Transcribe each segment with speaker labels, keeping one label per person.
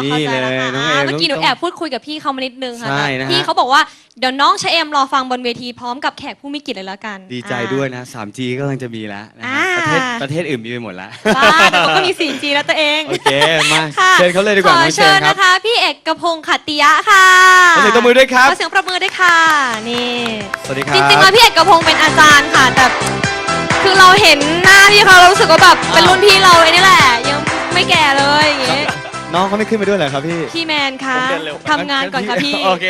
Speaker 1: นี่เลยน้องเอม
Speaker 2: เมื่อกี้หนูแอบพูดคุยกับพี่เขามานิดนึงค่ะ
Speaker 1: ใช่นะฮะ
Speaker 2: พี่เขาบอกว่าเดี๋ยวน้องชะเอมรอฟังบนเวทีพร้อมกับแขกผู้มีเกียรติเลยละกัน
Speaker 1: ดีใจด้วยนะ 3G ก็กำลังจะมีแล้วนะฮะ
Speaker 2: อ่า
Speaker 1: ประเทศอื่นมีไปหมดแล้ว
Speaker 2: บ้าเดี๋ยวมันก็มี 4G แล้วตัวเอง
Speaker 1: โอเค มา
Speaker 2: ค่ะ
Speaker 1: เชิญเขาเลยดีกว่า
Speaker 2: ข
Speaker 1: น้
Speaker 2: อ
Speaker 1: องเช
Speaker 2: เชิ
Speaker 1: น
Speaker 2: ญ
Speaker 1: ครับ
Speaker 2: นะคะ พี่เอกพงษ์ขัตติยะค่ะ
Speaker 1: ขอเสียงตบมือด้วยครับ
Speaker 2: ขอเสียงปรบมือด้วยค่ะนี่
Speaker 1: สวัสดีครั
Speaker 2: จ
Speaker 1: บ
Speaker 2: ริงๆแล้วพี่เอกพงษ์เป็นอาจารย์ค่ะ แต่คือเราเห็นหน้าพี่เขาเรารู้สึกว่าแบบเป็นรุ่นพี่เราไอ้นี่แหละยังไม่แก่เลยอย่างงี้
Speaker 1: น้องเขาไม่ขึ้นมาด้วยเหรอครับพี่
Speaker 2: พี่แมนคะทำงานก่อนค่ะพี่
Speaker 1: โอเค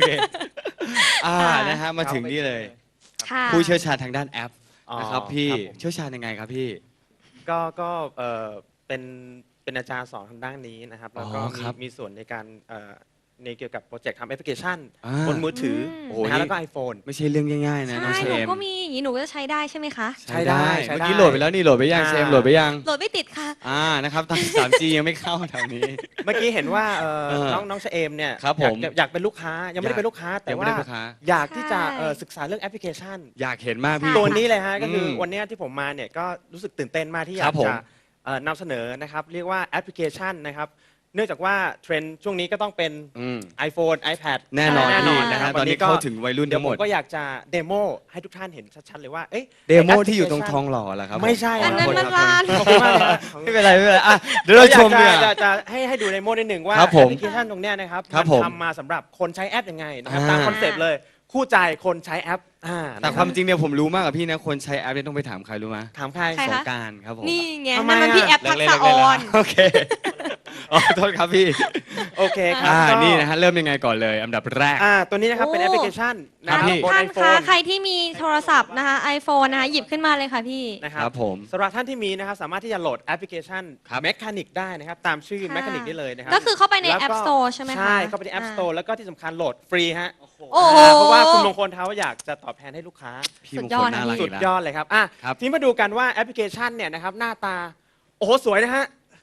Speaker 1: นะฮะมาถึงนี่เลย
Speaker 2: ค่ะ
Speaker 1: ผู้เชี่ยวชาญทางด้านแอปนะครับพี่
Speaker 3: ครับผม
Speaker 1: เชี่ยวชาญยังไงครับพี่
Speaker 3: ก็เป็นอาจารย์สอนทางด้านนี้นะครับแล้วก็
Speaker 1: อ๋อครับ
Speaker 3: มีส่วนในการในเกี่ยวกับโปรเจกต์ทำแอปพลิเคชัน
Speaker 1: อ่า
Speaker 3: บนมือถือ
Speaker 1: โอ้โห
Speaker 3: นะฮะ
Speaker 1: นี่
Speaker 3: แล้วก็ iPhone
Speaker 1: ไม่ใช่เรื่องง่ายๆนะน้อง
Speaker 2: ใช่
Speaker 1: เช
Speaker 2: หนู
Speaker 1: ม
Speaker 2: ก็มีอย่างนี้หนูก็จะใช้ได้ใช่ไหมคะ
Speaker 3: ใช้ได้
Speaker 1: เมื่อกี้โหลดไปแล้วนี่โหลดไปยัง
Speaker 3: อ่า
Speaker 1: เชมโหลดไปยัง
Speaker 2: โหลดไม่ติดค่ะ
Speaker 1: นะครับทาง 3G ยังไม่เข้าแถวนี้
Speaker 3: เมื่อกี้เห็นว่า
Speaker 1: เออ
Speaker 3: น้องชะเอมเนี่ย
Speaker 1: ครับผม
Speaker 3: อยากเป็นลูกค้ายังไม่ได้เป็นลูกค้า แต่
Speaker 1: ยังไม่
Speaker 3: ว่า
Speaker 1: ได้ลูกค้า
Speaker 3: อยากที่จะ
Speaker 2: ใช่
Speaker 3: ศึกษาเรื่องแอปพลิเคชัน
Speaker 1: อยากเห็นมากพี่
Speaker 2: ค่ะ
Speaker 3: ตัวนี้เลยฮะก็คืออ
Speaker 1: ม
Speaker 3: วันเนี้ยที่ผมมาเนี่ยก็รู้สึกตื่นเต้นมากที่อ
Speaker 1: ค
Speaker 3: ยา
Speaker 1: รั
Speaker 3: ก
Speaker 1: บผม
Speaker 3: จะนำเสนอนะครับเรียกว่าแอปพลิเคชันนะครับเนื่องจากว่าเทรนด์ช่วงนี้ก็ต้องเป็น
Speaker 1: อืม
Speaker 3: iPhone iPad
Speaker 1: แน่นอน
Speaker 3: แน่น
Speaker 1: พี่
Speaker 3: อน
Speaker 1: นะ
Speaker 3: นะค
Speaker 1: ฮะ
Speaker 3: รับ
Speaker 1: ตอนนี้
Speaker 3: ก็
Speaker 1: เข้าถึงวัยรุ่น
Speaker 3: เดี๋ย
Speaker 1: ทั้
Speaker 3: ว
Speaker 1: งห
Speaker 3: ผม
Speaker 1: มด
Speaker 3: ก็อยากจะเดโมให้ทุกท่านเห็นชัดๆเลยว่า
Speaker 1: เดโมที่อยู่ตรงทองหล่อเหรอครับ
Speaker 3: ไม่ใช่
Speaker 2: อันนั้นมันร้าน
Speaker 3: ขอบคุณมากเลยครับ
Speaker 1: ไม่เป็นไรไม่เป็นไรอ่ะเดี๋ยวเราชม
Speaker 3: อ
Speaker 1: ดี
Speaker 3: ยาก
Speaker 1: กว่า
Speaker 3: จะให้ดูเดโมนิดหนึ่งว่า
Speaker 1: ครับ
Speaker 3: แอ
Speaker 1: ผม
Speaker 3: ปพลิเคชันตรงเนี้ยนะครับ
Speaker 1: ครับ
Speaker 3: มัน
Speaker 1: ผม
Speaker 3: ทำมาสำหรับคนใช้แอปยังไงนะครับ
Speaker 1: อ่า
Speaker 3: ตามคอนเซปต์เลยคู่ใจคนใช้แอป
Speaker 1: แต่
Speaker 3: นะ
Speaker 1: ความจริงเนี่ยผมรู้มากกว่าพี่นะคนใช้แอปเนี่ยต้องไปถามใครรู้ไหม
Speaker 3: ถามใคร
Speaker 2: ใคร
Speaker 1: ส
Speaker 2: คะ
Speaker 1: งกรารครับผม
Speaker 2: นี่ไง
Speaker 3: ทำไม
Speaker 2: นั่นมันพี่
Speaker 3: อะ
Speaker 2: แอปทักษะออน
Speaker 1: โอเคอ๋อโทษครับพี่
Speaker 3: โอเคครับก็
Speaker 1: นี่นะฮะเริ่มยังไงก่อนเลยอันดับแรก
Speaker 3: ตัวนี้นะครับเป็นแอปพลิเคชันนะค
Speaker 1: ครั
Speaker 3: รั
Speaker 1: บบ พี่
Speaker 3: บน
Speaker 2: ท่านคะ
Speaker 3: iPhone
Speaker 2: ใครที่มีโทรศัพท์นะคะ iPhone นะคะหยิบขึ้นมาเลยค่ะพี่
Speaker 3: นะค
Speaker 1: ค
Speaker 3: รั
Speaker 1: รั
Speaker 3: บบ
Speaker 1: ผม
Speaker 3: สำหรับท่านที่มีนะครับสามารถที่จะโหลดแอปพลิเคชัน
Speaker 1: ครับ
Speaker 3: Mechanic ได้นะครับตามชื่อ
Speaker 2: ค่ะ
Speaker 3: Mechanic ได้เลยนะครับ
Speaker 2: ก็คือเข้าไปใน
Speaker 3: แล้วก็
Speaker 2: App Store ใช่ไหมคะ
Speaker 3: ใช่เข้าไปใน App Store แล้วก็ที่สำคัญโหลดฟรีฮะ
Speaker 2: โอ้โห
Speaker 3: เพราะว่าคุณมงคลเขาอยากจะตอบแทนให้ลูกค้า
Speaker 1: พี่
Speaker 2: สุ
Speaker 1: ม
Speaker 2: ด
Speaker 1: ง
Speaker 2: ย
Speaker 1: ค
Speaker 2: อ
Speaker 1: ล
Speaker 2: ดนะ
Speaker 1: น่ารัก
Speaker 3: สุ
Speaker 1: อี
Speaker 3: ด
Speaker 1: กแล้ว
Speaker 3: ยอดเลยครับ
Speaker 1: ครับ
Speaker 3: ทีนี้มาดูกันว่าแอปพลิเคชันเนี่ยนะครับหน้าตาโอ้โหสวยนะฮะ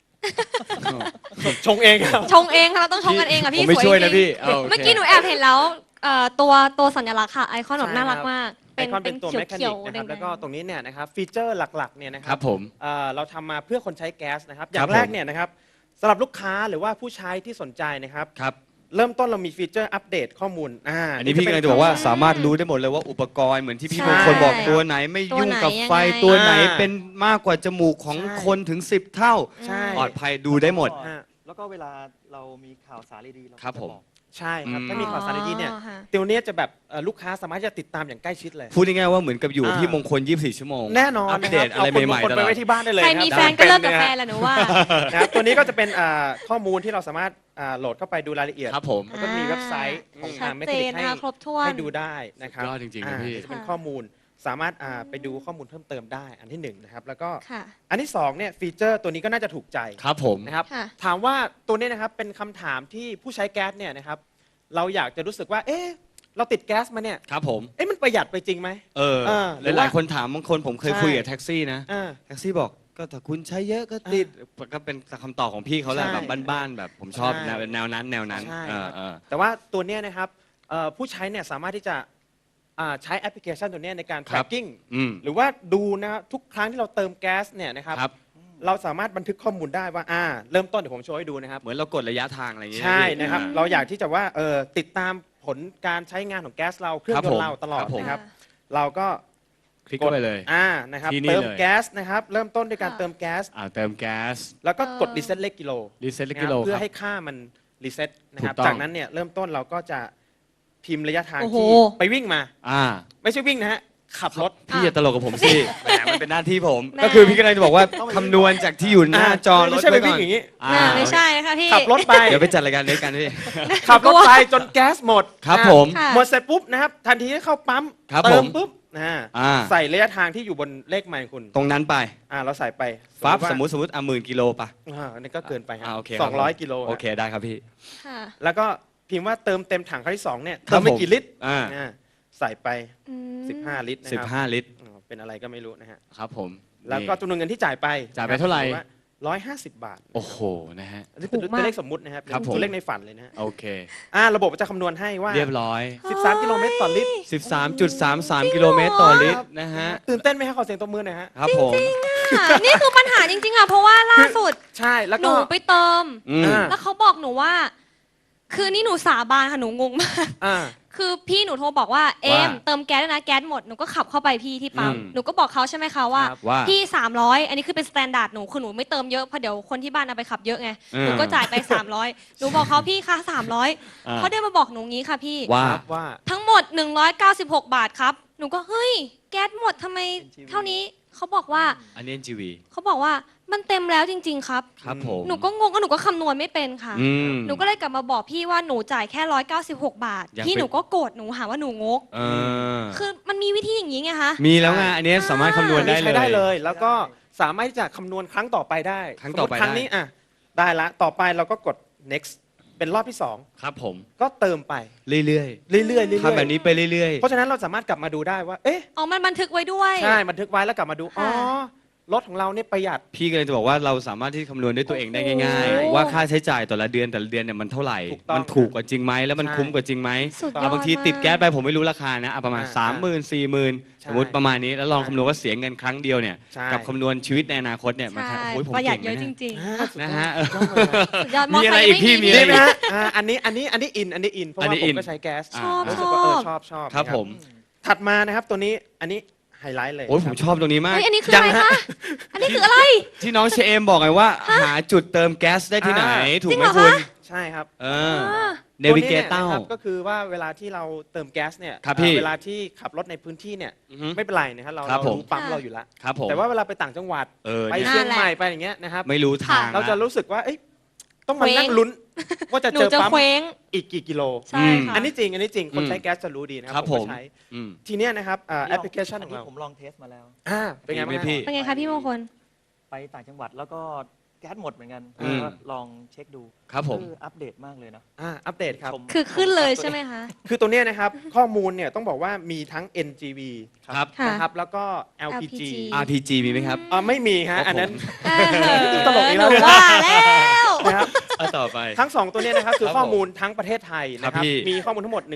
Speaker 3: ชงเองครับ
Speaker 2: ชงเองค่ะเราต้องชงกันเองค่ะ
Speaker 1: ผ
Speaker 2: พี่
Speaker 1: มไม่
Speaker 2: สวย
Speaker 1: ช่วย
Speaker 2: จ
Speaker 1: นะ
Speaker 2: ริง
Speaker 1: พี่าโค
Speaker 2: เมื่อกี้หนูแอบเห็นแล้วตัวสัญลักษณ์ค่ะไอคอนแบบน่ารักมาก
Speaker 3: ไอคอนเป็นตัว
Speaker 2: เขี
Speaker 3: แม
Speaker 2: ยว
Speaker 3: คา
Speaker 2: เขี
Speaker 3: นิ
Speaker 2: ยว
Speaker 3: ก
Speaker 2: ๆ
Speaker 3: นะครับ
Speaker 2: แดงๆ
Speaker 3: แล้วก็ตรงนี้เนี่ยนะครับฟีเจอร์หลักๆเนี่ยนะค
Speaker 1: ค
Speaker 3: รั
Speaker 1: รับผม
Speaker 3: เราทำมาเพื่อคนใช้แก๊สนะครับอ
Speaker 1: ครั
Speaker 3: ย่า
Speaker 1: บ
Speaker 3: งแรก
Speaker 1: ผม
Speaker 3: เนี่ยนะครับสำหรับลูกค้าหรือว่าผู้ใช้ที่สนใจนะครับ
Speaker 1: ครับ
Speaker 3: เริ่มต้นเรามีฟีเจอร์อัปเดตข้อมูล
Speaker 1: อันนี้พี่กำลังจะบอกว่าสามารถรู้ได้หมดเลยว่าอุปกรณ์เหมือนที่พี่
Speaker 2: ใช่
Speaker 1: มงคลบอกตัวไหนไม่ยุ่งกับไฟ
Speaker 2: ตัวไหนยังไง
Speaker 1: ตัวไหนเป็นมากกว่าจมูกของ
Speaker 3: ใช่
Speaker 1: คนถึง 10 เท่า
Speaker 3: ใช่
Speaker 1: ปลอดภัยดูได้หมด
Speaker 3: ฮะ
Speaker 4: แล้วก็เวลาเรามีข่าวสารดีๆเรา
Speaker 1: ครับ
Speaker 4: จะ
Speaker 1: ผม
Speaker 4: อก
Speaker 3: ใช่ครับ
Speaker 1: อืม
Speaker 3: ถ้ามีข่าวสารดีๆเนี่ย
Speaker 2: อ๋อค่ะ
Speaker 3: ตัวเนี้ยจะแบบลูกค้าสามารถจะติดตามอย่างใกล้ชิดเลย
Speaker 1: พูดง่ายๆว่าเหมือนกับอยู่กับพี่มงคล 24 ชั่วโมง
Speaker 3: แน่นอน
Speaker 1: อัปเดต
Speaker 3: นค
Speaker 1: อะไร
Speaker 3: เาคุณ
Speaker 1: ใหม่
Speaker 3: งคล
Speaker 1: ๆต
Speaker 3: ไป
Speaker 1: ลอด
Speaker 3: ไว้ที่บ้านได้เลย
Speaker 2: ใคร
Speaker 3: นะ
Speaker 2: มี
Speaker 3: บ
Speaker 2: แฟนก็เลิกกับ
Speaker 3: ะ
Speaker 2: แฟ
Speaker 3: ฮะ
Speaker 2: นแหละหนูว่า
Speaker 3: นะครับตัวนี้ก็จะเป็นข้อมูลที่เราสามารถโหลดเข้าไปดูรายละเอียด
Speaker 1: ครับผม
Speaker 3: แล้วก็มีเว็บไซต์ของ
Speaker 2: ชั
Speaker 3: ทา
Speaker 2: ด
Speaker 3: งแมค
Speaker 2: เจ
Speaker 3: คานิ
Speaker 2: น
Speaker 3: ก
Speaker 2: นะคะครบถ้วน
Speaker 3: ให้ดูได้นะครับ
Speaker 1: สุดยอดจริงๆนะพี่
Speaker 3: จะเป็น
Speaker 2: ค่ะ
Speaker 3: ข้อมูลสามารถไปดูข้อมูลเพิ่มเติมได้อันที่หนึ่งนะครับแล้วก็
Speaker 2: ค่ะ
Speaker 3: อันที่สองเนี่ยฟีเจอร์ตัวนี้ก็น่าจะถูกใจ
Speaker 1: ครับผม
Speaker 3: นะครับ
Speaker 2: ค่ะ
Speaker 3: ถามว่าตัวนี้นะครับเป็นคำถามที่ผู้ใช้แก๊สเนี่ยนะครับเราอยากจะรู้สึกว่าเอ๊ะเราติดแก๊สมาเนี่ย
Speaker 1: ครับผม
Speaker 3: เอ๊ะมันประหยัดไปจริงไหม
Speaker 1: เออ
Speaker 3: หรือ
Speaker 1: หลาย
Speaker 3: ว่า
Speaker 1: ๆคนถามบางคนผมเคย
Speaker 3: ใช่
Speaker 1: คุยกับแท็กซี่นะ
Speaker 3: อ่า
Speaker 1: แท็กซี่บอกก็ถ้าคุณใช้เยอะก็ติดก็เป็นคำตอบของพี่เขาแหละ
Speaker 3: ใช่
Speaker 1: แบบบ้านๆแบบผมชอบ
Speaker 3: ใช่
Speaker 1: แนวนั้น
Speaker 3: ใช่
Speaker 1: เออ
Speaker 3: แต่ว่าตัวเนี้ยนะครับผู้ใช้เนี่ยสามารถที่จะใช้แอปพลิเคชันตัวเนี้ยในการ
Speaker 1: ครับ
Speaker 3: tracking
Speaker 1: อืม
Speaker 3: หรือว่าดูนะทุกครั้งที่เราเติมแก๊สเนี่ยนะครับ
Speaker 1: ครับ
Speaker 3: เราสามารถบันทึกข้อมูลได้ว่าเริ่มต้นเดี๋ยวผมโชว์ให้ดูนะครับ
Speaker 1: เหมือนเรากดระยะทางอะไรอย่างเงี้ย
Speaker 3: ใช่นะครับ
Speaker 1: พี่
Speaker 3: เราอยากที่จะว่าติดตามผลการใช้งานของแก๊สเราเครื่อง
Speaker 1: ครับ
Speaker 3: ยน
Speaker 1: ผม
Speaker 3: ต์เราตลอด
Speaker 1: ครับผม
Speaker 3: นะครับ เราก็
Speaker 1: คลิกเข้าไปเลย
Speaker 3: นะครับ
Speaker 1: ที่นี่
Speaker 3: เติม
Speaker 1: เลย
Speaker 3: แก๊สนะครับเริ่มต้นด้วยการ
Speaker 2: ค่ะ
Speaker 3: เติมแก๊ส
Speaker 1: เติมแก๊ส
Speaker 3: แล้วก็กดรีเซ็ตเลขกิโล
Speaker 1: รีเซ็ต
Speaker 3: นะค
Speaker 1: กิ
Speaker 3: รับ
Speaker 1: โล
Speaker 3: เพื่
Speaker 1: ค
Speaker 3: อ
Speaker 1: รับ
Speaker 3: ให้ค่ามันรีเซ็ตนะครับ
Speaker 1: ถูกต้อง
Speaker 3: จากนั้นเนี่ยเริ่มต้นเราก็จะพิมพ์ระยะทาง
Speaker 2: โอ้โห
Speaker 3: ที่ไปวิ่งมา
Speaker 1: อ่า
Speaker 3: ไม่ใช่วิ่งนะฮะขับรถ
Speaker 1: พี่อย่าตลกกับผมสิแหมมันเป็นหน้าที่ผม
Speaker 2: แหม
Speaker 1: ก็คือพี่กำลังจะบอกว่าคำนวณจากที่อยู่หน้าจอร
Speaker 3: ไม่
Speaker 1: ถ
Speaker 3: ใช่ไป
Speaker 1: ว้ก่
Speaker 3: วิ่
Speaker 1: อง น
Speaker 3: อย่างนี้
Speaker 1: อ่า
Speaker 2: ไม่ใช่ค่ะพี่
Speaker 3: ขับรถไป
Speaker 1: เดี๋ยวไปจัดรายการด้วยกันพี่
Speaker 3: ขับรถไปจนแก๊สหมด
Speaker 1: ครับ
Speaker 3: นะ
Speaker 1: ผม
Speaker 2: ค่ะ
Speaker 3: หมดเสร็จปุ๊บนะครับทันทีที่เข้าปั๊ม
Speaker 1: ครับ
Speaker 3: เติ
Speaker 1: ผม ม
Speaker 3: ปุ๊บ
Speaker 1: อ่า
Speaker 3: ใส่ระยะทางที่อยู่บนเลขไมล์คุณ
Speaker 1: ตรงนั้นไป
Speaker 3: เราใส่ไป
Speaker 1: ฟับ
Speaker 3: ว่า
Speaker 1: สมมติ10,000 กิโลป่ะ
Speaker 3: อันนี้ก็เกินไปครับ
Speaker 1: โอเค
Speaker 3: 200 กิโล
Speaker 1: โอเคได้ครับพี่
Speaker 2: ค่ะ
Speaker 3: แล้วก็พิมพ์ว่าเติมเต็มถังครั้งที่2เนี่ย
Speaker 1: ครั
Speaker 3: เติ
Speaker 1: บ
Speaker 3: มไป
Speaker 1: ผม
Speaker 3: กี่ลิตร
Speaker 1: อ่า
Speaker 3: ใส่ไป
Speaker 2: อืม
Speaker 3: 15 ลิตรนะครับ
Speaker 1: 15 ลิตร
Speaker 3: เป็นอะไรก็ไม่รู้นะฮะ
Speaker 1: ครับผม
Speaker 3: แล้วก็
Speaker 1: นี่
Speaker 3: จำนวนเงินที่จ่ายไป
Speaker 1: จ่ายไปเท่าไหร่
Speaker 3: 150 บาท
Speaker 1: โอ้โหนะฮะ
Speaker 3: อันนี้เป็น
Speaker 2: ถูก
Speaker 3: ตั
Speaker 2: มาก
Speaker 3: วเลขสมมุตินะครับ
Speaker 1: ครับผม
Speaker 3: ตัวเลขในฝันเลยนะฮะ
Speaker 1: โอเค
Speaker 3: ระบบจะคำนวณให้ว่า
Speaker 1: เรียบร้อย
Speaker 3: 13 กิโลเมตรต่อลิตร
Speaker 1: 13.33 กิโลเมตรต่อลิตรนะฮะ
Speaker 3: ตื่นเต้นไหมฮะขอเสียงตบมือหน่อยฮะ
Speaker 1: ครับผม
Speaker 2: นี่คือปัญหาจริงๆอ่ะเพราะว่าล่าสุด
Speaker 3: ใช่แล้ว
Speaker 2: ห
Speaker 3: ก็
Speaker 2: นูไปเติม
Speaker 1: อืม
Speaker 3: อ่า
Speaker 2: แล้วเขาบอกหนูว่า คือนี่หนูสาบานค่ะหนูงงมาก
Speaker 3: อ่า
Speaker 2: คือพี่หนูโทรบอกว่าเอมเติมแก๊สด้วยนะแก๊สหมดหนูก็ขับเข้าไปพี่ที่ปั๊ม
Speaker 1: อืม
Speaker 2: หนูก็บอกเขาใช่ไหมคะว่า
Speaker 3: ครับ
Speaker 1: ว่า
Speaker 2: พี่300อันนี้คือเป็นสแตนดาร์ดหนูคือหนูไม่เติมเยอะเพราะเดี๋ยวคนที่บ้านเอาไปขับเยอะไงหนูก็จ่ายไป300หนูบอกเขาพี่คะ300เขาได้มาบอกหนูงี้ค่ะพี่
Speaker 1: ว่า
Speaker 3: ครับว่า
Speaker 2: ทั้งหมด196 บาทครับหนูก็เฮ้ยแก๊สหมดทำไมเท่านี้เขาบอกว่า
Speaker 1: อันนี้ NGV
Speaker 2: เขาบอกว่ามันเต็มแล้วจริง ๆ ครับ
Speaker 1: ครับผม
Speaker 2: หนูก็งงก็หนูก็คำนวณไม่เป็นค่ะ
Speaker 1: อืม
Speaker 2: หนูก็เลยกลับมาบอกพี่ว่าหนูจ่ายแค่196 บาท
Speaker 1: อยาก
Speaker 2: พี่
Speaker 1: เป็น
Speaker 2: หนูก็โกรธหนูหาว่าหนูงก
Speaker 1: เออ
Speaker 2: คือมันมีวิธีอย่างนี้ไงคะ
Speaker 1: มีแล้วไงอันนี้สามารถคำนวณได้
Speaker 3: อั
Speaker 1: เล
Speaker 3: ใช้
Speaker 1: ย
Speaker 3: ได้เลย แล้วก็สามารถที่จะคำนวณครั้งต่อไปได้
Speaker 1: ครั้งต่อไป
Speaker 3: สมมุติครั้ง
Speaker 1: ได้
Speaker 3: นี้อ่ะได้ละต่อไปเราก็กด next เป็นรอบที่
Speaker 1: ครับผม
Speaker 3: 2 ก็เติมไป
Speaker 1: เรื่อย
Speaker 3: เรื่อยๆเรื่อยๆ
Speaker 1: ๆทำแบบนี้ไปเรื่อย
Speaker 3: เพราะฉะนั้นเราสามารถกลับมาดูได้ว่า เอ๊ะ
Speaker 2: อ๋อมันบันทึกไว้ด้วย
Speaker 3: ใช่บันทึกไว้แล้วกลับมาดู อ๋อ
Speaker 2: ค่ะ
Speaker 3: รถของเราเนี่ยประหยัด
Speaker 1: ๆ พี่ก็เลยจะบอกว่าเราสามารถที่คำนวณด้วยตัวเองได้ง่าย
Speaker 3: โอ้โห
Speaker 1: ๆ ว่าค่าใช้จ่ายแต่ละเดือนเนี่ยมันเท่าไหร่
Speaker 3: ถูกต้อง
Speaker 1: มันถูกกว่าจริงไหมแล้วมัน
Speaker 3: ใช่
Speaker 1: คุ้มกว่าจริงไหม
Speaker 2: สุดยอด
Speaker 1: แล้วบางทีติดแก๊สไปผมไม่รู้ราคานะประมาณ
Speaker 3: อ่า
Speaker 1: 30,000 40,000
Speaker 3: ใช่
Speaker 1: สมมติประมาณนี้แล้วลองคำนวณว่าเสียเงินครั้งเดียวเนี่ย
Speaker 3: ใช่
Speaker 1: กับคำนวณชีวิตในอนาคตเนี่ยมัน
Speaker 2: ใช่
Speaker 1: โอ้ยผม
Speaker 2: ประหยัด
Speaker 1: เก่ง
Speaker 2: เยอะ
Speaker 1: นะ
Speaker 2: จ
Speaker 1: เนี่ย
Speaker 2: ริง
Speaker 1: นะฮะ
Speaker 2: ๆสุดยอด
Speaker 1: มีอะไรอีกพี่มี
Speaker 3: ดี
Speaker 1: อะไร
Speaker 3: ไหมฮะอันนี้อินเพราะ
Speaker 1: อัน
Speaker 3: ว่า
Speaker 1: นี้
Speaker 3: ผ
Speaker 1: อิ
Speaker 3: ม
Speaker 1: น
Speaker 3: ก็ใช้แก๊ส
Speaker 2: ชอบ
Speaker 3: รู้
Speaker 2: ช
Speaker 3: สึก
Speaker 2: อ
Speaker 3: ว่า
Speaker 2: บ
Speaker 3: เออชอบ
Speaker 1: ครับ
Speaker 3: นะ
Speaker 1: ผม
Speaker 3: ถัดมานะครับตัวนี้อันนี้ไฮไลท์เลย
Speaker 1: โอ้ยผมชอบตรงนี้มาก
Speaker 2: เฮ้ยอันนี้คืออะไรคะอันนี้คืออะไร
Speaker 1: ที่น้องเชเอมบอกไงว่า หาจุดเติมแก๊สได้ที่ไหน ถูกไหม
Speaker 2: จริงเหรอ
Speaker 1: คุณ
Speaker 2: คะ
Speaker 3: ใช่ครับ
Speaker 1: เออ
Speaker 2: อ่า
Speaker 1: เนวิเกเตอ
Speaker 3: ตัวนี้
Speaker 1: ร์
Speaker 3: นี่ยนะครับก็คือว่าเวลาที่เราเติมแก๊สเนี่ย
Speaker 1: ครับพี่
Speaker 3: เวลาที่ขับรถในพื้นที่เนี่ย
Speaker 1: อือฮึ
Speaker 3: ไม่เป็นไรนะครับเรา
Speaker 1: ครับผม
Speaker 3: รู้ปั๊ม
Speaker 2: ค่ะ
Speaker 3: เราอยู่แล้ว
Speaker 1: ครับผม
Speaker 3: แต่ว่าเวลาไปต่างจังหวัด
Speaker 1: เออ
Speaker 3: ไป
Speaker 1: เนี่ย
Speaker 3: เชียงใหม่ไปอย่างเงี้ยนะครับ
Speaker 1: ไม่รู้ทาง
Speaker 3: เราจะ
Speaker 1: ละ
Speaker 3: รู้สึกว่าเอ้ยต้องมา
Speaker 2: เคว้ง
Speaker 3: นั่งลุ้น ว่าจะ
Speaker 2: หนู
Speaker 3: เจอ
Speaker 2: จะ
Speaker 3: ปั๊ม
Speaker 2: เคว้ง
Speaker 3: อีกกี่กิโล
Speaker 2: ใช่ค่ะ
Speaker 3: อันนี้จริงคน
Speaker 1: อืม
Speaker 3: ใช้แก๊สจะรู้ดีนะค
Speaker 1: ครั
Speaker 3: รับบ ผม
Speaker 1: ผม
Speaker 3: ก็ใช้
Speaker 1: อืม
Speaker 3: ทีเนี้ยนะครับแอปพลิเคชัน
Speaker 4: อั
Speaker 3: ข
Speaker 4: น
Speaker 3: อง
Speaker 4: นี้
Speaker 3: เรา
Speaker 4: ผมลองเทสมาแล้ว
Speaker 3: เป็นไงบ้าง
Speaker 1: ดีไหมพี่
Speaker 2: เป็นไงคะพี่มงคล
Speaker 4: ไปต่างจังหวัดแล้วก็แก๊สหมดเหมือนกัน
Speaker 1: อืม
Speaker 4: ก็ลองเช็คดู
Speaker 1: ครับผม
Speaker 4: อัปเดตมากเลยนะ
Speaker 3: อัปเดตครับ
Speaker 4: ชม
Speaker 2: คือขึ้นเลยใช่ไหมคะ
Speaker 3: คือตัวเนี้ยนะครับข้อมูลเนี่ยต้องบอกว่ามีทั้ง NGV
Speaker 1: ครับ
Speaker 2: ค่ะ
Speaker 3: นะครับแล้วก็ LPG
Speaker 2: LPG
Speaker 1: RPG มีไหมครับ
Speaker 3: ไม่มีฮะ
Speaker 1: ครับ
Speaker 3: อันนั้น
Speaker 2: ต
Speaker 3: ต
Speaker 2: ล
Speaker 3: ล
Speaker 2: ก
Speaker 3: กอี
Speaker 2: อีก
Speaker 3: กแล้
Speaker 2: แล้ว
Speaker 3: ว
Speaker 2: ว่าแล้ว
Speaker 3: นะครับ
Speaker 1: เอาต่อไป
Speaker 3: ทั้ง 2 ตัวเนี้ยนะครับคือ
Speaker 1: ครับ
Speaker 3: ข้อมูลทั้งประเทศไทยนะค
Speaker 1: ครั
Speaker 3: รับบ
Speaker 1: พี่
Speaker 3: มีข้อมูลทั้งหมด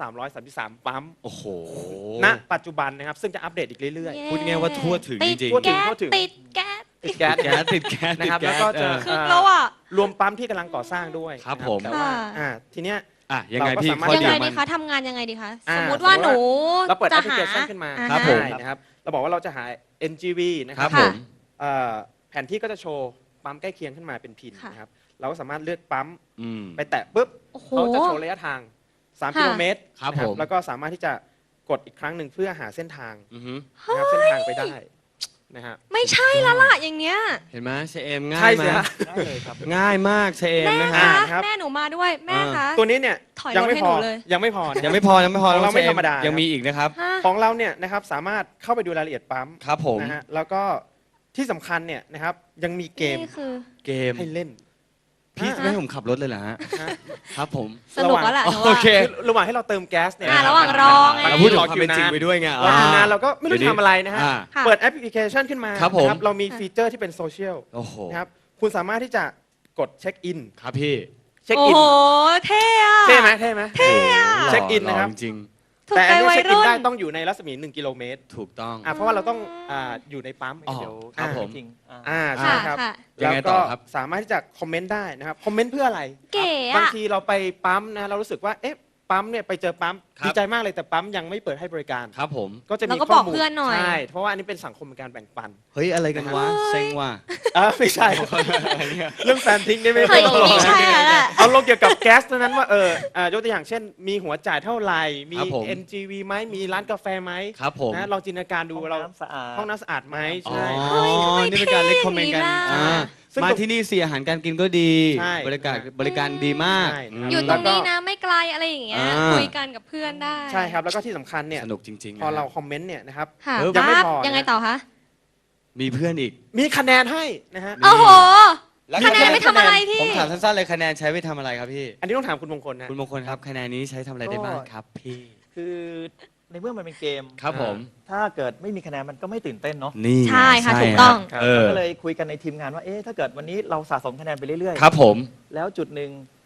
Speaker 3: 1,333 ปั๊ม
Speaker 1: โอ้โห
Speaker 3: ณปัจจุบันนะครับซึ่งจะอัปเดตอีกเรื่อย
Speaker 1: พูดง่ายว่าทั่วถึง
Speaker 2: ติด
Speaker 1: จริง
Speaker 3: ทั่วถึ
Speaker 2: แก๊
Speaker 3: ง
Speaker 2: ส
Speaker 3: ทั่วถึง
Speaker 2: ติดแก๊ส
Speaker 3: ๆติดแก๊ส
Speaker 1: แก๊สติดแก๊ส
Speaker 3: นะครับ
Speaker 1: ติด
Speaker 3: แล้ว
Speaker 1: ก๊ส
Speaker 3: ก็จะ
Speaker 2: คึกแล้วอ่ะ
Speaker 3: รวมปั๊มที่กำลังก่อสร้างด้วย
Speaker 1: ครับ
Speaker 3: นะ
Speaker 1: ผม
Speaker 3: แต่ว่า
Speaker 2: ค่ะ
Speaker 3: ทีเนี้ย
Speaker 1: อ่ะยังไง
Speaker 3: เราก็
Speaker 1: พี่
Speaker 3: สามารถ
Speaker 1: ข้อ
Speaker 2: ยัง
Speaker 1: ดี
Speaker 2: ไง
Speaker 1: มั
Speaker 2: ดี
Speaker 1: น
Speaker 2: คะทำงานยังไงดีคะ
Speaker 3: อ่า
Speaker 2: สมมติว่าหนู
Speaker 3: เราเปิดแอ
Speaker 2: จะ
Speaker 3: ปพลิเคชันขึ้นมา
Speaker 2: อ่า
Speaker 1: ครับผม
Speaker 3: ได้นะครับเราบอกว่าเราจะหา NGV นะค
Speaker 1: ค
Speaker 3: รั
Speaker 1: รั
Speaker 3: บบ
Speaker 1: ผม
Speaker 3: แผนที่ก็จะโชว์ปั๊มใกล้เคียงขึ้นมาเป็นพิน
Speaker 2: ค่ะ
Speaker 3: นะครับเราก็สามารถเลือกปั๊ม
Speaker 1: อืม
Speaker 3: ไปแตะปุ๊บ
Speaker 2: โอ้โห
Speaker 3: เขาจะโชว์ระยะทาง 3 กิโลเมตร
Speaker 1: ครับ
Speaker 3: นะ
Speaker 1: ผม
Speaker 3: แล้วก็สามารถที่จะกดอีกครั้งหนึ่งเพื่อหาเส้นทาง
Speaker 1: อือฮึ
Speaker 3: นะครับเส้นทางไปได้นะฮะ
Speaker 2: ไม่ใช่แล้วล่ะอย่างเนี้ย
Speaker 1: เห็นไหมเชเอมง่า
Speaker 3: ใช่
Speaker 1: ยไหม
Speaker 3: สิฮะ
Speaker 4: ได้เลยครับ
Speaker 1: ง่ายมากเชเอม
Speaker 2: แม่
Speaker 1: นะ
Speaker 2: คะ
Speaker 1: ฮะ
Speaker 3: ครับ
Speaker 2: แม่หนูมาด้วยแม่คะ
Speaker 3: ตัวนี้เนี่ย
Speaker 2: ถอยรถ
Speaker 3: ยังไม่
Speaker 2: ให้
Speaker 3: พ
Speaker 2: ห
Speaker 3: อ
Speaker 2: นูเลย
Speaker 3: ยังไม่พอนะ
Speaker 1: ยังไม่พอยังไม่พอ
Speaker 3: ของเรา
Speaker 1: น้อง
Speaker 3: ไม่
Speaker 1: เช
Speaker 3: ธรรมดา
Speaker 1: ยังมีอีกนะครับ
Speaker 2: ฮะ
Speaker 3: ของเราเนี่ยนะครับสามารถเข้าไปดูรายละเอียดปั๊ม
Speaker 1: ครับผม
Speaker 3: นะฮะแล้วก็ที่สำคัญเนี่ยนะครับยังมีเกม
Speaker 2: นี่คือ
Speaker 1: เกม
Speaker 3: ให้เล่น
Speaker 1: พี่จะไม่ให้ผมขับรถเลยเหรอฮะ
Speaker 3: ฮะ
Speaker 1: ครับผม
Speaker 2: สนุกแล้วล่ะหนู
Speaker 1: โอ
Speaker 2: ว่า
Speaker 1: เค
Speaker 3: คือระหว่างให้เราเติมแก๊สเนี่ย
Speaker 2: ระหว่างรอไง
Speaker 1: เราพูดถึงความเป็นจริงไปด้วยไง
Speaker 3: เราทำงานเราก็ไม่รู้จะทำอะไรนะฮะ
Speaker 1: อ่า
Speaker 2: ค่ะ
Speaker 3: เปิดแอปพลิเคชันขึ้นมา
Speaker 1: ครับผม
Speaker 3: นะเรามีฟีเจอร์ที่เป็นโซเชียล
Speaker 1: โอ้โห
Speaker 3: นะครับคุณสามารถที่จะกดเช็คอิน
Speaker 1: ครับพี่
Speaker 3: เช็ค
Speaker 2: โอ้
Speaker 3: อิน
Speaker 2: โหเท่อะ
Speaker 3: เท่ไหมเท่ไหม
Speaker 1: เท่อะ
Speaker 3: เช็คอินนะครับ
Speaker 1: จริง
Speaker 2: ถูก
Speaker 3: แต่
Speaker 2: ใจ
Speaker 3: อันนี้
Speaker 2: วัย
Speaker 3: เช็คอิน
Speaker 2: รุ่น
Speaker 3: ได้ต้องอยู่ในรัศมี 1 กิโลเมตร
Speaker 1: ๆถูกต้อง
Speaker 3: เพราะว่าเราต้องอยู่ในปั๊ม
Speaker 1: อ๋อ
Speaker 4: เดี๋ยว
Speaker 1: ครับผม
Speaker 4: จริง
Speaker 3: ใช่
Speaker 2: ค่ะ
Speaker 3: ครับ
Speaker 2: ค่ะ
Speaker 1: ยังไงต่อครับ
Speaker 3: สามารถที่จะคอมเมนต์ได้นะครับคอมเมนต์เพื่ออะไร
Speaker 2: เก๋
Speaker 3: บาง
Speaker 2: อะ
Speaker 3: ทีเราไปปั๊มนะเรารู้สึกว่าเอ๊ะปั๊มเนี่ยไปเจอปั๊ม
Speaker 1: ครับ
Speaker 3: ดีใจมากเลยแต่ปั๊มยังไม่เปิดให้บริการ
Speaker 1: ครับผม
Speaker 3: ก็จะมี
Speaker 2: เราก็
Speaker 3: ข้
Speaker 2: บ
Speaker 3: อ
Speaker 2: อก
Speaker 3: มูล
Speaker 2: เพื่อนหน่อย
Speaker 3: ใช่เพราะว่าอันนี้เป็นสังคมในการแบ่งปัน
Speaker 1: เฮ้ยอะไรกันวะ
Speaker 2: เฮ้ย
Speaker 1: เซ็งว่ะ
Speaker 3: ไม่ใช่ เรื่องแฟนทิ้งได้ไหม
Speaker 2: เฮ้ยไม่ใช่แล้วแหละ
Speaker 3: เอาลงเกี่ยวกับแก๊สเท่านั้นว่ายกตัวอย่างเช่น มีหัวจ่ายเท่าไหร่มี
Speaker 1: ครับผม
Speaker 3: NGV ไหมมีร้านกาแฟไหม
Speaker 1: ครับผม
Speaker 3: นะลองจินตนาการดู
Speaker 4: ห้อง
Speaker 3: เรา
Speaker 4: น้ำสะอาด
Speaker 3: ห้องน้ำสะอาดไหม
Speaker 1: อ๋อ
Speaker 3: ใช่
Speaker 2: เฮ้ยทำไม
Speaker 1: นี่เป็นการ
Speaker 2: เท่
Speaker 1: เล็กคอมเมนต์กัน
Speaker 2: อย่างนี้ล่ะ
Speaker 1: อ่า
Speaker 3: ซึ่ง
Speaker 1: มาที่นี่สิอาหารการกินก็ดี
Speaker 3: ใช่
Speaker 1: บริการดีมาก
Speaker 3: ใช่
Speaker 1: ม
Speaker 2: อยู่ตรงนี้นะไม่ไกลอะไรอย่างเงี้ย
Speaker 1: อ่า
Speaker 2: คุยกันกับเพื่อนได้
Speaker 3: ใช่ครับแล้วก็ที่สำคัญเนี่ย
Speaker 1: สนุกจริงๆ
Speaker 3: พอ
Speaker 1: นะ
Speaker 3: เราคอมเมนต์เนี่ยนะครับ
Speaker 2: ค่ะ
Speaker 3: ยังไม่
Speaker 2: ปั๊บ
Speaker 3: พอนะ
Speaker 2: ยังไงต่อคะ
Speaker 1: มีเพื่อนอีก
Speaker 3: มีคะแนนให้นะฮะ
Speaker 2: โอ้โห
Speaker 1: แล้ว
Speaker 2: คะแนนไม่ทำอะไรพี่
Speaker 1: ผมถามสั้นๆเลยคะแนนใช้ไปทำอะไรครับพี่
Speaker 3: อันนี้ต้องถามคุณมงคลนะ
Speaker 1: คุณมงคลครับคะแนนนี้ใช้ทำอะไรได้บ้างครับพี่
Speaker 4: คือในเมื่อมันเป็นเกม
Speaker 1: ครับผม
Speaker 4: ถ้าเกิดไม่มีคะแนนมันก็ไม่ตื่นเต้นเนาะ
Speaker 1: นี่
Speaker 2: ใช่ค่ะ
Speaker 1: ใช่
Speaker 2: ถูกต้อง
Speaker 1: เออ
Speaker 4: ก็เลยคุยกันในทีมงานว่าเอ๊ะถ้าเกิดวันนี้เราสะสมคะแนนไปเรื่อย
Speaker 1: ครับผม
Speaker 4: แล้วจุดหนึ่ง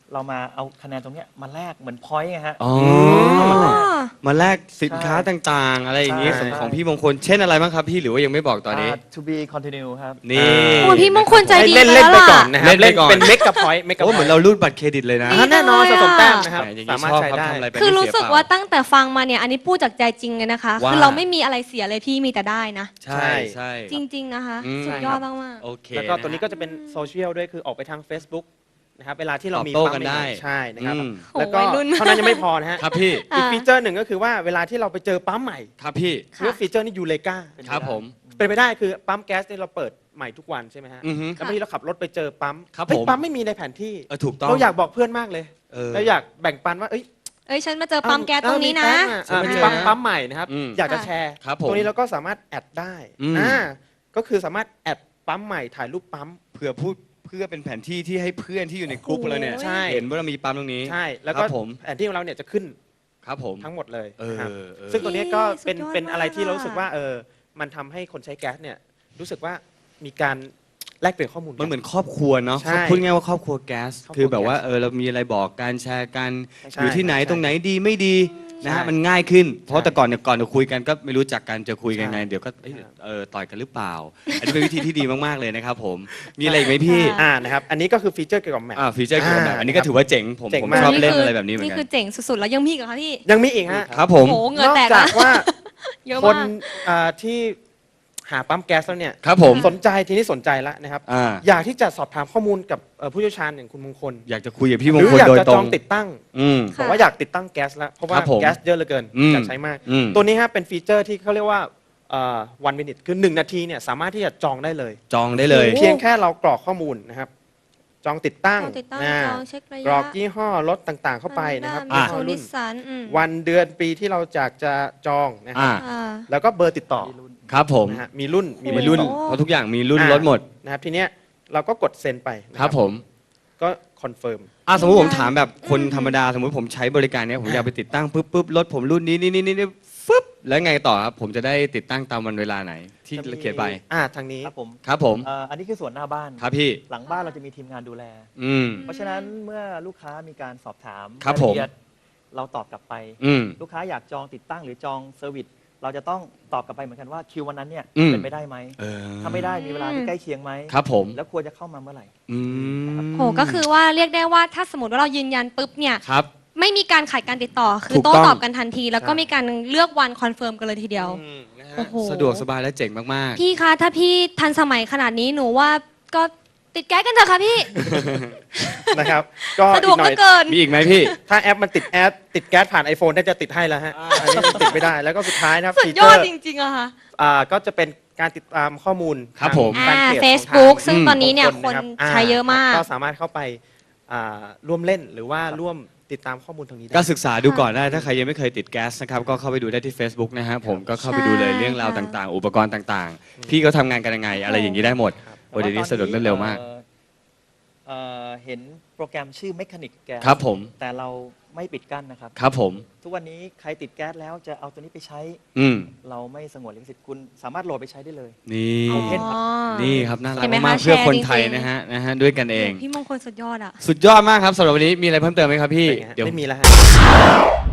Speaker 4: เรามาเอาคะแนนตรงเนี้ยมาแลกเหมือนพอยต์ไงฮะ
Speaker 1: อ๋อ มาแลกสินค้าต่างๆ อะไรอย่างนี้
Speaker 3: ใช่
Speaker 1: ของพี่มงคล เช่นอะไรบ้างครับพี่หรือว่ายังไม่บอกตอนนี้
Speaker 4: to be continue ครับ
Speaker 1: นี่
Speaker 2: โอ้พี่มงคลใจดี
Speaker 3: เล่น
Speaker 2: ไป
Speaker 3: เล่น
Speaker 2: แล้ว
Speaker 3: ไป
Speaker 2: ล่ะ
Speaker 3: ก่อนนะครับ
Speaker 1: เล่นไปก่อน
Speaker 3: เป็นเมกกับพอยต์เมกกับ
Speaker 1: โอ้เหมือนเรารูดบัตรเครดิตเลยนะ
Speaker 3: แน่นอนสะสมแต้มนะครับ
Speaker 1: แหมอย่าง
Speaker 3: สา
Speaker 1: นี้
Speaker 3: มารถ
Speaker 1: ชอบ
Speaker 3: ใช้
Speaker 1: ครับ
Speaker 3: ได้
Speaker 1: ทำอะไรไป
Speaker 2: คือ
Speaker 1: ไม่
Speaker 2: รู้
Speaker 1: เสีย
Speaker 2: สึก
Speaker 1: เปล่า
Speaker 2: ว่าตั้งแต่ฟังมาเนี่ยอันนี้พูดจากใจจริงเลยนะคะ
Speaker 1: ว่า
Speaker 2: คือเราไม่มีอะไรเสียเลยพี่มีแต่ได้นะ
Speaker 1: ใช่ใช่
Speaker 2: จริง ๆนะคะ
Speaker 1: อืม
Speaker 2: สุดยอดมาก
Speaker 1: โอเค
Speaker 3: แล้วก็
Speaker 1: ะฮะ
Speaker 3: ตัวนี้ก็จะเป็นโซเชียลด้วยคือออกไปทาง Facebook นะครับเวลาที่เรามี
Speaker 1: ตอบโต้
Speaker 3: ปั๊ม
Speaker 1: กัน
Speaker 3: ใหม่
Speaker 1: ได้
Speaker 3: ๆใช่นะครับ
Speaker 1: อืม
Speaker 2: โอ้
Speaker 3: แล้วก็
Speaker 2: วัยรุ่น
Speaker 3: เท่านั้นยังไม่พอนะฮะ
Speaker 1: ครับพี่
Speaker 2: อ่า
Speaker 3: อีกฟีเจอร์หนึ่งก็คือว่าเวลาที่เราไปเจอปั๊มใหม่
Speaker 1: ครับพี่
Speaker 2: ค่ะ
Speaker 3: เรียกว่าฟีเจอร์นี่ยูเลกา
Speaker 1: ครับผม
Speaker 3: เป็นไปได้คือปั๊มแก๊สเนี่ยเราเปิดใหม่ทุกวันใช่ไหมฮะ
Speaker 1: อือฮึ
Speaker 3: แล้วบางทีเราขับรถไปเจอปั๊ม
Speaker 1: ครับ
Speaker 3: เฮ้ย
Speaker 1: ผม
Speaker 3: ปั๊มไม่มีในแผนที่
Speaker 1: ถูกต้อง
Speaker 3: เราอยากบอกเพื่อนมากเลย
Speaker 1: เ
Speaker 3: เราอยากแบ่งปันว่าเอ้ย
Speaker 2: เอ้ยฉันมาเจอปั๊มแก๊สตรงนี้นะ
Speaker 3: มี
Speaker 1: เจอ
Speaker 3: ปั๊ม
Speaker 1: นะ
Speaker 3: ปั๊มใหม่นะครับ
Speaker 1: อืม
Speaker 3: อยากจะ
Speaker 2: ค่ะ
Speaker 3: แชร์
Speaker 1: ครับผม
Speaker 3: ตรงนี้เราก็สามารถแอดได้
Speaker 1: อืม
Speaker 3: ก็คือสามารถแอดปั๊มใหม่ถ่ายรูปปั๊ม
Speaker 1: เพื่อเป็นแผนที่ที่ให้เพื่อนที่อยู่ในกลุ่มเราเนี่ย
Speaker 3: ใช่
Speaker 1: เห็นว่าเรามีปั๊มตรงนี้
Speaker 3: ใช่ แล้ว
Speaker 1: ค
Speaker 3: ก็
Speaker 1: รับผม
Speaker 3: แผนที่ของเราเนี่ยจะขึ้น
Speaker 1: ครับผม
Speaker 3: ทั้งหมดเลย
Speaker 1: เออ
Speaker 3: นะครับ
Speaker 1: เออ
Speaker 3: ซึ่งตัวนี้ก็เป็น
Speaker 2: สุดยอด
Speaker 3: เป็นอะไรที่
Speaker 2: มาก
Speaker 3: เรารู้สึกว่ามันทำให้คนใช้แก๊สเนี่ยรู้สึกว่ามีการแลกเปลี่ยนข้อมูลกั
Speaker 1: มันเหมือนครอบครัวเนาะ
Speaker 3: ใช่
Speaker 1: พูดง่ายว่าครอบครัวแก๊ส
Speaker 3: ครอบครัว
Speaker 1: คือแบบว่า
Speaker 3: แก๊ส
Speaker 1: เรามีอะไรบอกการแชร์กัน
Speaker 3: ใช่
Speaker 1: อยู่ที่ไหน
Speaker 3: ใช่
Speaker 1: ตรงไหนดีไม่ดีนะฮะ
Speaker 3: ใช่
Speaker 1: มันง่ายขึ้น เพราะ
Speaker 3: ใช่
Speaker 1: แต่ก่อนเนี่ยก่อนจะคุยกันก็ไม่รู้จักกันจะคุยกัน
Speaker 3: ใช่
Speaker 1: ไงเดี๋ยวก็เอ้ย
Speaker 3: ใช่
Speaker 1: ต่อยกันหรือเปล่า อันนี้เป็นวิธีที่ดีมากๆเลยนะครับผมมีอะไรอีกไหมพี่
Speaker 2: ค่ะ
Speaker 3: นะครับอันนี้ก็คือฟีเจอร์เกี่ยวกับแมป
Speaker 1: ฟีเจอร์เกี่ยวกับแบบอันนี้ก็ถือว่าเจ๋งผม
Speaker 3: เจ๋ง
Speaker 1: ผม
Speaker 3: มาก
Speaker 1: ชอบ
Speaker 2: นี่
Speaker 1: เล่น
Speaker 2: คือ
Speaker 1: อะไรแบบนี้เหมือน
Speaker 2: นี่
Speaker 1: กั
Speaker 2: คือน เจ๋งสุดๆแล้วยังมีอีกเหรอคะพี่
Speaker 3: ยังมีอีกฮะ
Speaker 1: ครับผม
Speaker 2: โอ้โหเหงื่อน
Speaker 3: อก
Speaker 2: แตก
Speaker 3: จา
Speaker 2: ละ
Speaker 3: กว่า
Speaker 2: เยอะ
Speaker 3: คน
Speaker 2: มาก
Speaker 3: ที่หาปั๊มแก๊สแล้วเนี่ย
Speaker 1: ครับผม
Speaker 3: สนใจทีนี้สนใจแล้วนะครับ
Speaker 1: อ่า
Speaker 3: อยากที่จะสอบถามข้อมูลกับผู้เชี่ยวชาญอย่างคุณมงคล
Speaker 1: อยากจะคุยกับพี่
Speaker 3: ห
Speaker 1: มง
Speaker 3: รือ
Speaker 1: คล
Speaker 3: อยาก
Speaker 1: โดย
Speaker 3: จะ
Speaker 1: ต
Speaker 3: จ
Speaker 1: ร
Speaker 3: อง งติดตั้ง
Speaker 1: อืม
Speaker 2: ค่ะ
Speaker 3: บอกว่าอยากติดตั้งแก๊สแล้วเพราะว่า
Speaker 1: ครับผม
Speaker 3: แก๊สเยอะเหลือเกิน
Speaker 1: อืม
Speaker 3: อยากใช้มาก
Speaker 1: อืม
Speaker 3: ตัวนี้ฮะเป็นฟีเจอร์ที่เขาเรียกว่า1 minute คือ 1 นาทีเนี่ยสามารถที่จะจองได้เลย
Speaker 1: จองได้เลย
Speaker 2: โอ้
Speaker 3: เพียงแค่เรากรอกข้อมูลนะครับ จองติดตั้ง
Speaker 2: จองติดตั้ง
Speaker 3: นะ
Speaker 2: จองเช็คระยะ
Speaker 3: กรอกยี่ห้อรถต่างๆ เข้าไปนะครับ
Speaker 2: มี
Speaker 3: ยี่
Speaker 2: โซ
Speaker 3: ห้อ
Speaker 2: ลิ
Speaker 3: รุ่น
Speaker 2: สันอืม
Speaker 3: วันเดือนปีที่เราอยากจะจองนะครับ
Speaker 2: อ่า
Speaker 3: แล้วก็เบอร์ติดต่อ
Speaker 1: ครับผม
Speaker 3: นะฮะมีรุ่นมี
Speaker 1: มีรุ่น
Speaker 3: เบอติดต่อ
Speaker 1: เพราะทุกอย่างมีรุ่น
Speaker 3: อ่า
Speaker 1: ลดหมด
Speaker 3: นะครับทีเนี้ยเราก็กดเซ็นไปนะ
Speaker 1: ค
Speaker 3: ค
Speaker 1: รั
Speaker 3: รั
Speaker 1: บบ ผม
Speaker 3: ก็คอนเฟิร์ม
Speaker 1: สมมติผมถามแบบคนธรรมดาสมมติผมใช้บริการเนี้ยผมอยากไปติดตั้งปุ๊บรถผมรุ่นนี้ฟึบแล้วไงต่อครับผมจะได้ติดตั้งตามวันเวลาไหนที่
Speaker 4: จะมี
Speaker 1: เขียนไป
Speaker 3: ทางนี้
Speaker 4: ครับผม
Speaker 1: ครับผม
Speaker 4: อันนี้คือส่วนหน้าบ้าน
Speaker 1: ครับพี่
Speaker 4: หลังบ้านเราจะมีทีมงานดูแล
Speaker 1: อืม
Speaker 4: เพราะฉะนั้นเมื่อลูกค้ามีการสอบถาม
Speaker 1: ครับ
Speaker 4: ายละ
Speaker 1: ผม
Speaker 4: เอียดเราตอบกลับไป
Speaker 1: อืม
Speaker 4: ลูกค้าอยากจองติดตั้งหรือจองเซอร์วิสเราจะต้องตอบกลับไปเหมือนกันว่าคิววันนั้นเนี่ย
Speaker 1: อืม
Speaker 4: เป็นไปได้ไหม ถ้าไม่ได้มีเวลาที่ใกล้เคียงไหม
Speaker 1: ครับผม
Speaker 4: แล้วควรจะเข้ามาเมื่อไหร่
Speaker 1: อืม
Speaker 2: โหก็คือว่าเรียกได้ว่าถ้าสมมติว่าเรายืนยันปุ๊บเนี่ย
Speaker 1: ครับ
Speaker 2: ไม่มีการขาดการติดต่อ คือ
Speaker 1: ถูกต้
Speaker 2: โต้
Speaker 1: อง
Speaker 2: ตอบกันทันที แล้วก็
Speaker 3: ใช่
Speaker 2: มีการเลือกวันคอนเฟิร์มกันเลยทีเดียว
Speaker 1: นะฮะ
Speaker 2: โอ้โห
Speaker 1: สะดวกสบายและเจ๋งมาก
Speaker 2: พี่คะถ้าพี่ทันสมัยขนาดนี้หนูว่าก็ติดแก๊สกันเถอะค่ะพี่
Speaker 3: นะครับ ก็
Speaker 2: สะด
Speaker 3: อี
Speaker 2: วก
Speaker 3: กหน่
Speaker 2: เห
Speaker 3: อ
Speaker 2: ลื
Speaker 3: ย
Speaker 2: อเกิน
Speaker 1: ๆ มีอีกไหมพี่
Speaker 3: ถ้าแอปมันติดแก๊สผ่าน iPhone น่าจะติดให้แล้วฮะอันนี้มันติดไม่ได้แล้วก็สุดท้ายนะครับ
Speaker 2: สุด
Speaker 3: ฟี
Speaker 2: ย
Speaker 3: เจ
Speaker 2: อ
Speaker 3: อ
Speaker 2: ด
Speaker 3: ร์
Speaker 2: จริงๆอะค่ะ
Speaker 3: ก็จะเป็นการติดตามข้อมูล
Speaker 1: ครับ
Speaker 3: ทาง
Speaker 1: ผม
Speaker 3: แฟนเพจของทาง
Speaker 2: Facebook ซึ่ง
Speaker 1: อืม
Speaker 2: ตอนนี้เนี่ยคน
Speaker 3: รับ
Speaker 2: ใช้เยอะมาก
Speaker 3: ก็สามารถเข้าไปร่วมเล่นหรือว่าร่วมติดตามข้อมูลทางนี้ได้
Speaker 1: ก็ศึกษาดูก่อนได้ ถ้าใครยังไม่เคยติดแก๊สนะครับ ก็เข้าไปดูได้ที่ Facebook นะฮะผมก็เข้าไปดูเลย
Speaker 2: ใช่
Speaker 1: เรื่องราว
Speaker 2: ค่ะ
Speaker 1: ต่างๆ อุปกรณ์ต่างๆ พี่เขาทำงานกันยังไง อะไรอย่างนี้ได้หมด โอ้เดี๋ยวนี้สะดวกรวดเร็วมาก
Speaker 4: เห็นโปรแกรมชื่อ Mechanic Gas
Speaker 1: ครับผม
Speaker 4: แต่เราไม่ปิดกั้นนะครับ
Speaker 1: ครับผม
Speaker 4: ทุกวันนี้ใครติดแก๊สแล้วจะเอาตัวนี้ไปใช้
Speaker 1: อืม
Speaker 4: เราไม่สงวนลิขสิทธิ์คุณสามารถโหลดไปใช้ได้เลย
Speaker 1: นี่
Speaker 4: โอเคครับ
Speaker 1: นี่ครับน่ารัก
Speaker 2: เห็นไหม
Speaker 1: มาก
Speaker 2: คะ
Speaker 1: ๆเพื่อคน
Speaker 2: แชร์
Speaker 1: ไทย
Speaker 2: จริงๆ
Speaker 1: นะฮะด้วยกันเอง
Speaker 2: พี่มงคลสุดยอดอะ
Speaker 1: สุดยอดมากครับสำหรับวันนี้มีอะไรเพิ่มเติมไหมครับพี่
Speaker 3: เป็นไงฮะ
Speaker 1: เดี๋ยว
Speaker 3: ไม่มีแล้วฮะ